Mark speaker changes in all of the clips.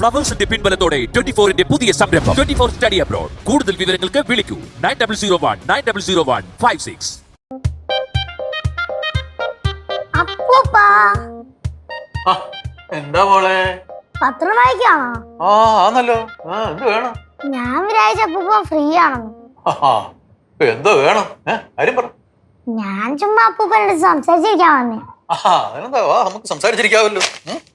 Speaker 1: ഫ്ലവേഴ്സിന്റെ പിൻബലത്തോടെ 24-ന്റെ പുതിയ സംരംഭം 24 study abroad. കൂടുതൽ വിവരങ്ങൾക്ക് വിളിക്കൂ 9001900156.
Speaker 2: എന്താ മോളെ
Speaker 3: പത്രം വായിക്കാണോ?
Speaker 2: ആന്നല്ലോ. എന്ത് വേണം?
Speaker 3: ഞാൻ വിചാരിച്ച അപ്പൂപ്പ ഫ്രീ ആണെന്ന്.
Speaker 2: എന്തോ വേണം? കാര്യം പറ.
Speaker 3: ഞാൻ ചുമ്മാ അപ്പൂപ്പനോട് സംസാരിച്ചിരിക്കാൻ വന്നേ.
Speaker 2: അതിനെന്താ, നമുക്ക് സംസാരിച്ചിരിക്കാവല്ലോ.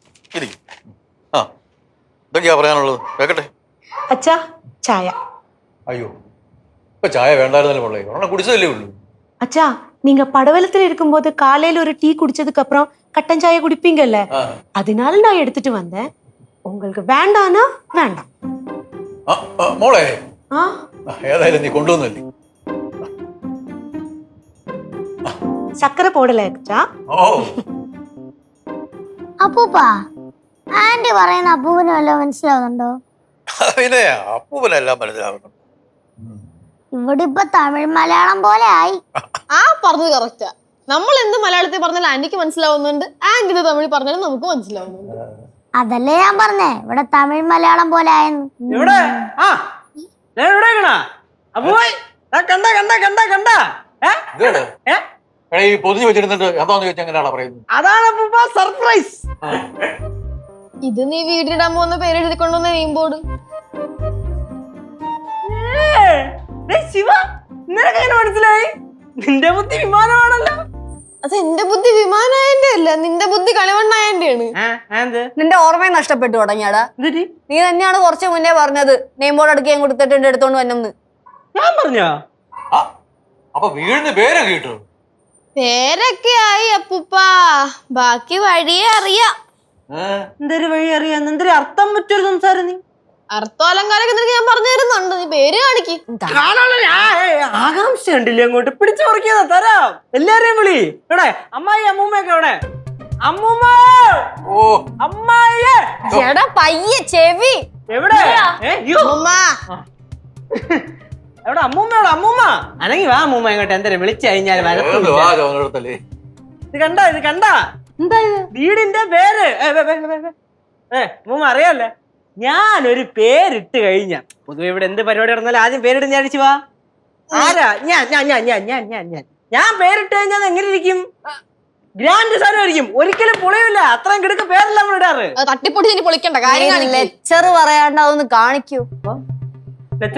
Speaker 2: എന്തൊക്കെയാ പറയാനുള്ളത്? കേക്കട്ടെ.
Speaker 4: അച്ഛാ ചായ.
Speaker 2: അയ്യോ, ഇപ്പൊ ചായ വേണ്ടായിരുന്നല്ലോ മോളെ, ഒരെണ്ണം കുടിച്ചതല്ലേ ഉള്ളൂ.
Speaker 4: அச்சா நீங்க படவலத்துல இருக்கும்போது காலையில ஒரு டீ குடிச்சதுக்கு அப்புறம் கட்டன் சாய குடிப்பீங்கல்ல, அதனால நான் எடுத்துட்டு வந்தேன். உங்களுக்கு வேண்டானா வேண்டாம்.
Speaker 2: മോളെ ഏതായാലും നീ കൊണ്ടുവന്നല്ലേ.
Speaker 4: சக்கரை போடல அச்சா.
Speaker 3: അപ്പൂപ്പ, ആന്റി പറയുന്ന അപ്പൂപ്പന് വല്ലതും മനസ്സിലാവുന്നുണ്ടോ?
Speaker 2: പിന്നെ അപ്പൂപ്പനെല്ലാം മനസ്സിലാവുന്നു.
Speaker 3: ഇവിടെ ഇപ്പൊ തമിഴ് മലയാളം പോലെ ആയി.
Speaker 5: പറഞ്ഞത് കറക്റ്റാ. നമ്മൾ എന്ത് മലയാളത്തിൽ പറഞ്ഞാലും ആന്റിക്ക് മനസ്സിലാവുന്നുണ്ട്, ആന്റി തമിഴ് പറഞ്ഞാലും നമുക്ക് മനസ്സിലാവുന്നുണ്ട്.
Speaker 3: അതല്ലേ ഞാൻ പറഞ്ഞേ, ഇവിടെ തമിഴ് മലയാളം പോലെ ആയെന്ന്.
Speaker 2: ഈ പൊതിഞ്ഞു വെച്ചിരുന്നിട്ട് എന്താന്ന് ചോദിച്ചാൽ എങ്ങനെയാണ് പറയുന്നത്?
Speaker 6: അതാണ് സർപ്രൈസ്.
Speaker 5: ഇത് നീ വീട്ടിലിടാൻ പോകുന്ന പേര് എഴുതിക്കൊണ്ടുവന്ന നെയിം ബോർഡ്.
Speaker 6: ശിവ, നിനക്ക് എങ്ങനെ മനസ്സിലായി? നിന്റെ ബുദ്ധി വിമാനമാണല്ലോ.
Speaker 5: അത് എന്റെ ബുദ്ധി വിമാനായന്റെ അല്ല, നിന്റെ ബുദ്ധി കളിമണ്ണായന്റെയാണ്.
Speaker 7: നിന്റെ ഓർമ്മയും നഷ്ടപ്പെട്ടു തുടങ്ങിയാടാ. നീ തന്നെയാണ് കുറച്ച് മുന്നേ പറഞ്ഞത് നെയിം ബോർഡ് അടുക്കാൻ കൊടുത്തിട്ട് എന്റെ എടുത്തോണ്ട് വന്നെന്ന്.
Speaker 6: ഞാൻ പറഞ്ഞോ?
Speaker 2: അപ്പൊ വീടിന് പേരൊക്കെ കിട്ടു.
Speaker 5: പേരൊക്കെ ആയി അപ്പൂപ്പ, ബാക്കി വഴിയെ അറിയാം.
Speaker 6: എന്തൊരു വഴി അറിയാം? എന്തൊരു അർത്ഥം പറ്റൊരു സംസാരം. നീ
Speaker 5: അർത്ഥം അലങ്കാരൊക്കെ നിനക്ക് ഞാൻ പറഞ്ഞു തരുന്നുണ്ട്, നീ പേര് കാണിക്ക്.
Speaker 6: ആകാംക്ഷ ഉണ്ടില്ലേ? അങ്ങോട്ട് പിടിച്ചു പറിക്കാ തരാം. എല്ലാരെയും വിളി. ഇവിടെ അമ്മായി അമ്മൂമ്മയൊക്കെ ഇവിടെ. അമ്മൂമ്മ, അമ്മായിയെ.
Speaker 7: ചേടാ പയ്യെ ചെവി
Speaker 6: എവിടെ? എവിടെ അമ്മൂമ്മയോട്? അമ്മൂമ്മ അനങ്ങി വാ. അമ്മൂമ്മ ഇങ്ങോട്ട്. എന്തായാലും വിളിച്ചു കഴിഞ്ഞാൽ ഇത് കണ്ട, ഇത് കണ്ട. എന്താ ഇത്? വീടിന്റെ പേര്. അമ്മൂമ്മ അറിയാല്ലേ, ഞാനൊരു പേരിട്ട് കഴിഞ്ഞ പൊതുവെ ഇവിടെ എന്ത് പരിപാടി നടന്നാലും ആദ്യം പേരിട്ട് ഞാൻ അടിച്ചു വാ. ആരാ? ഞാൻ പേരിട്ട് കഴിഞ്ഞാൽ എങ്ങനെ ഇരിക്കും? ഗ്രാൻഡ് സാധനമായിരിക്കും, ഒരിക്കലും പൊളിയില്ല. അത്രയും കിടക്ക് പേരല്ല നമ്മൾ ഇടാറ്.
Speaker 5: തട്ടിപ്പൊടി ഇനി പൊളിക്കണ്ട കാര്യം.
Speaker 7: ലെക്ചർ പറയാണ്ട് അതൊന്ന് കാണിക്കൂ.
Speaker 6: പിന്നെ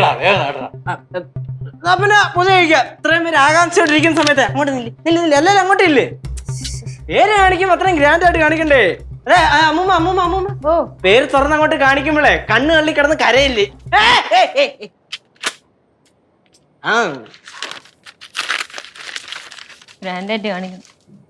Speaker 6: പുതിയ കഴിക്കാം. ഇത്രയും പേര് ആകാംക്ഷയോട്ടിരിക്കുന്ന സമയത്ത് അങ്ങോട്ട് നില്ല. എല്ലാരും അങ്ങോട്ട് ഇല്ലേ? പേര് കാണിക്കുമ്പോ അത്രയും ഗ്രാൻഡ് ആയിട്ട് കാണിക്കണ്ടേ? അതെ അമ്മൂമ്മ, അമ്മൂമ്മ, അമ്മൂമ്മ. പേര് തുറന്ന് അങ്ങോട്ട് കാണിക്കുമ്പോളേ കണ്ണ് തള്ളി കിടന്ന് കരയില്ലേ?
Speaker 7: ഗ്രാൻഡായിട്ട് കാണിക്കണം.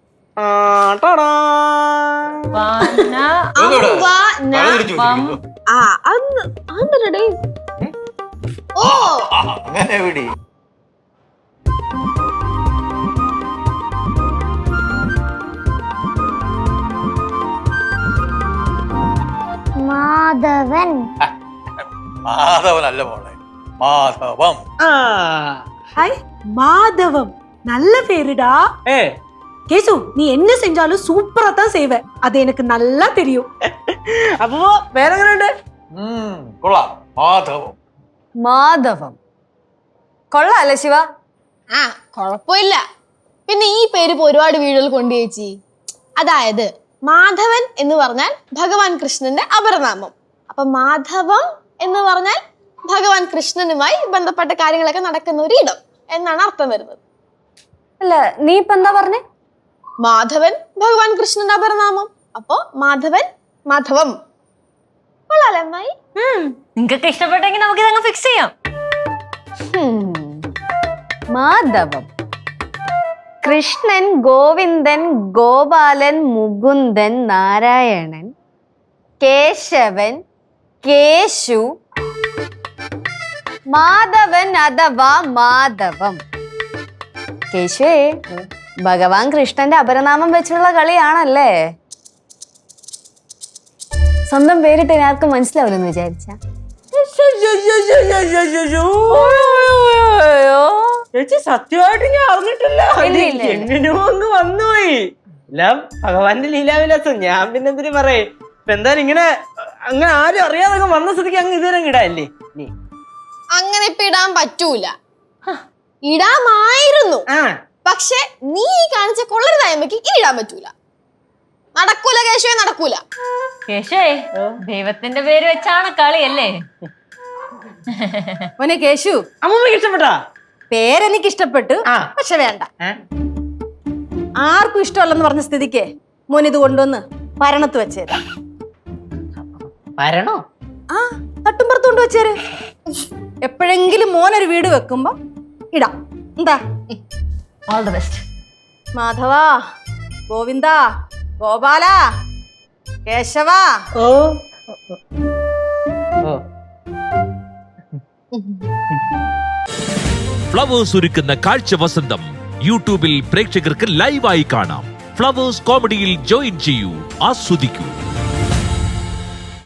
Speaker 3: മാധവൻ.
Speaker 2: മാധവനല്ല മോളെ, മാധവം.
Speaker 4: ஹாய் மாதவம், நல்ல பேருடா. கேசு, நீ என்ன செஞ்சாலும் சூப்பரா தான் செய்வ, அது எனக்கு நல்லா தெரியும்.
Speaker 6: അപ്പോ പേരെങ്ങനെയുണ്ട്?
Speaker 2: കൊള്ളാം, മാധവം.
Speaker 7: മാധവം കൊള്ളാല്ലേ ശിവ?
Speaker 5: കൊഴപ്പില്ല. പിന്നെ ഈ പേര് ഇപ്പൊ ഒരുപാട് വീടുകൾ കൊണ്ടു ചേച്ചി. അതായത് മാധവൻ എന്ന് പറഞ്ഞാൽ ഭഗവാൻ കൃഷ്ണന്റെ അപരനാമം. അപ്പൊ മാധവം എന്ന് പറഞ്ഞാൽ ഭഗവാൻ കൃഷ്ണനുമായി ബന്ധപ്പെട്ട കാര്യങ്ങളൊക്കെ നടക്കുന്ന ഒരു ഇടം എന്നാണ് അർത്ഥം വരുന്നത്.
Speaker 7: അല്ല, നീ ഇപ്പൊ എന്താ പറഞ്ഞേ?
Speaker 5: മാധവൻ ഭഗവാൻ കൃഷ്ണന്റെ അപരനാമം. അപ്പൊ മാധവൻ, മാധവം. കൊള്ളാലേ അമ്മായി?
Speaker 7: നിങ്ങൾക്കൊക്കെ ഇഷ്ടപ്പെട്ടെങ്കിൽ നമുക്ക് ഇതങ്ങ് ഫിക്സ് ചെയ്യാം. മാധവം, കൃഷ്ണൻ, ഗോവിന്ദൻ, ഗോപാലൻ, മുകുന്ദൻ, നാരായണൻ, കേശവൻ, കേശു, മാധവൻ അഥവാ മാധവം. കേശുവേ, ഭഗവാൻ കൃഷ്ണന്റെ അപരനാമം വെച്ചുള്ള കളിയാണല്ലേ. സ്വന്തം പേരിട്ട് ആർക്കും മനസ്സിലാവില്ലെന്ന് വിചാരിച്ച
Speaker 6: ചേച്ചി സത്യമായിട്ട് ഞാൻ അറിഞ്ഞിട്ടില്ല. എങ്ങനെയോ അങ്ങ് വന്നുപോയി. എല്ലാം ഭഗവാന്റെ ലീലാവിലാസം. ഞാൻ പിന്നെ എന്തിനു പറയേ. ഇപ്പൊ എന്തായാലും ഇങ്ങനെ അങ്ങനെ ആരും അറിയാതെ അങ്ങ് വന്ന സ്ഥിതിക്ക് അങ്ങ് ഇതുവരെ ഇടാല്ലേ നീ?
Speaker 5: അങ്ങനെ ഇപ്പൊ ഇടാൻ പറ്റൂല. ഇടാമായിരുന്നു, പക്ഷെ നീ ഈ കാണിച്ച കൊള്ളരുതായ്മക്ക് ഇനി ഇടാൻ പറ്റൂല. നടക്കൂല കേശവേ, നടക്കൂല.
Speaker 8: കേശവേ, ദൈവത്തിന്റെ പേര് വെച്ചാണ് കളിയല്ലേ?
Speaker 7: മോനെ കേശു,
Speaker 6: അമ്മൂമ്മക്ക് ഇഷ്ടപ്പെട്ടാ?
Speaker 7: പേരെനിക്ക് ഇഷ്ടപ്പെട്ടു, പക്ഷെ വേണ്ട. ആർക്കും ഇഷ്ടമല്ലെന്ന് പറഞ്ഞ സ്ഥിതിക്ക് മോൻ ഇത് കൊണ്ടുവന്ന് പരണത്ത് വെച്ചേരാ.
Speaker 6: വരണോ?
Speaker 7: ആ, തട്ടുംപുറത്ത് കൊണ്ട് വെച്ചേര്. എപ്പോഴെങ്കിലും മോനൊരു വീട് വെക്കുമ്പോ ഇടാം. എന്താ?
Speaker 8: All the best.
Speaker 7: Madhava, Govinda, Gopala, Keshava.
Speaker 6: ഓ
Speaker 1: ഫ്ലവേഴ്സ് ഒരുക്കുന്ന കാഴ്ച വസന്തം യൂട്യൂബിൽ പ്രേക്ഷകർക്ക് ലൈവായി കാണാം. ഫ്ലവേഴ്സ് കോമഡിയിൽ ജോയിൻ ചെയ്യൂ, ആസ്വദിക്കൂ.